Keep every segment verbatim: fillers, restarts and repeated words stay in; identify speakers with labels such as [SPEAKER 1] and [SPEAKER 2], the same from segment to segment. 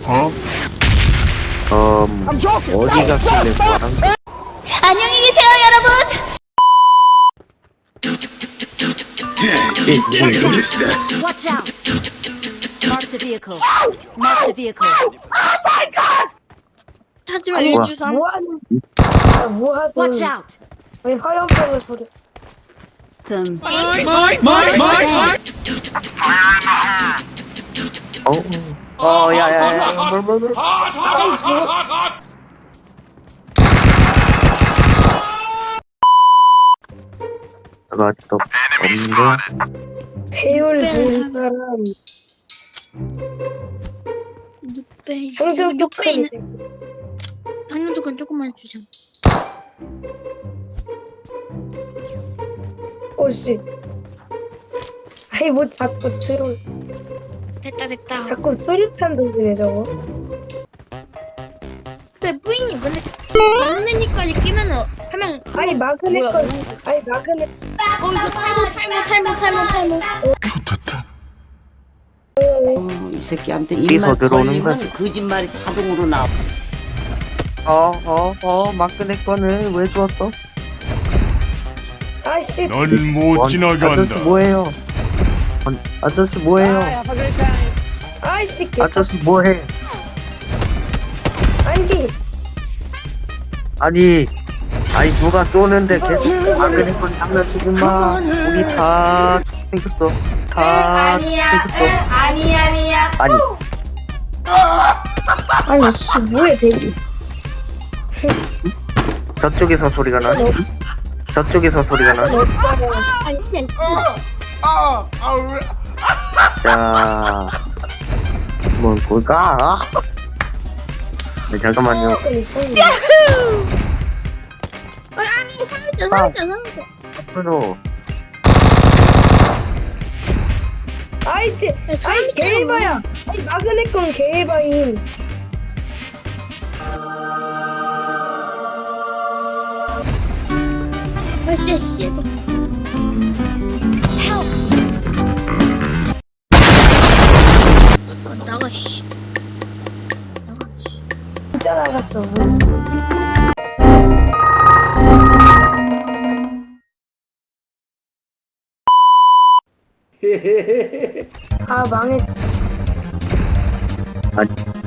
[SPEAKER 1] 어?
[SPEAKER 2] 음, 어디 갔길래 뭐랑
[SPEAKER 3] 안녕히 계세요, 여러분.
[SPEAKER 2] 게 누굴 놀렸어?
[SPEAKER 3] Watch out. Mark the vehicle. Mark the vehicle.
[SPEAKER 4] 하지만
[SPEAKER 2] 뭐야?
[SPEAKER 4] 일주삼.
[SPEAKER 5] 뭐하는 아, 뭐하든
[SPEAKER 3] Watch out.
[SPEAKER 5] 왜 화염병을 소리
[SPEAKER 3] Some.
[SPEAKER 2] 어? 어, 야야야, 뭘, 뭘, 뭘. 내가 아직도 없는데?
[SPEAKER 5] 배율
[SPEAKER 4] 네,
[SPEAKER 5] 좋은 사람
[SPEAKER 4] 육 배.
[SPEAKER 5] 평균
[SPEAKER 4] 육 배 있는
[SPEAKER 5] 쪽하는데
[SPEAKER 4] 당근 조건 조금만 주자.
[SPEAKER 5] 오씨 아이 뭐 자꾸 트롤
[SPEAKER 4] 됐다 됐다.
[SPEAKER 5] 자꾸 수류탄 던지네 저거
[SPEAKER 4] 근데 뿌잉이 근데 막내니까지 끼면은 하면
[SPEAKER 5] 아이 마그네
[SPEAKER 4] 뭐야?
[SPEAKER 5] 건 아이 마그네
[SPEAKER 4] 어 이거 탈모 탈모 탈모 탈모 탈모.
[SPEAKER 1] 좋겠다.
[SPEAKER 6] 어, 이 새끼한테
[SPEAKER 2] 어디서
[SPEAKER 6] 입만
[SPEAKER 2] 들어오는
[SPEAKER 6] 걸리면
[SPEAKER 2] 거지?
[SPEAKER 6] 거짓말이 자동으로 나와.
[SPEAKER 2] 어, 어, 어, 마크네 거는 왜 주웠어?
[SPEAKER 5] 아이씨
[SPEAKER 1] 넌 못
[SPEAKER 2] 원,
[SPEAKER 1] 지나간다.
[SPEAKER 2] 아저씨 뭐해요? 원, 아저씨 뭐해요?
[SPEAKER 5] 아이씨 개
[SPEAKER 2] 아저씨 뭐해?
[SPEAKER 5] 아니
[SPEAKER 2] 아니, 아니 누가 쏘는데 계속 마크네 건 장난치지 마. 우리 다 생겼어. 다 생겼어.
[SPEAKER 3] 아니 아니야.
[SPEAKER 2] 아니,
[SPEAKER 4] 아니 씨 뭐야 대기.
[SPEAKER 2] 저쪽에서 소리가 나. 저쪽에서 소리가 나.
[SPEAKER 4] 아니 진짜
[SPEAKER 2] 자, 뭐 볼까? 네, 잠깐만요.
[SPEAKER 4] 아니 아니 상자 상자 상자.
[SPEAKER 2] 앞으로.
[SPEAKER 5] 아이씨
[SPEAKER 4] 야, 사람
[SPEAKER 5] 아이 개해봐야 아이 마그네 건 개해봐임
[SPEAKER 4] 아씨 씨. 아, 나가 씨. 나가 씨.
[SPEAKER 5] 진짜 나갔어 아 망했
[SPEAKER 2] 아니,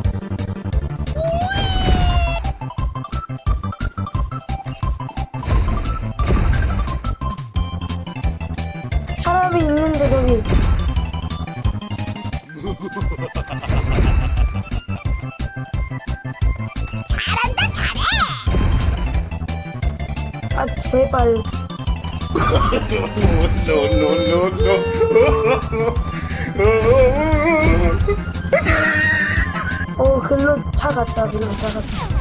[SPEAKER 5] 사람이 있는데 거기 아 제발 어 글로 차 갔다 글로 차 갔다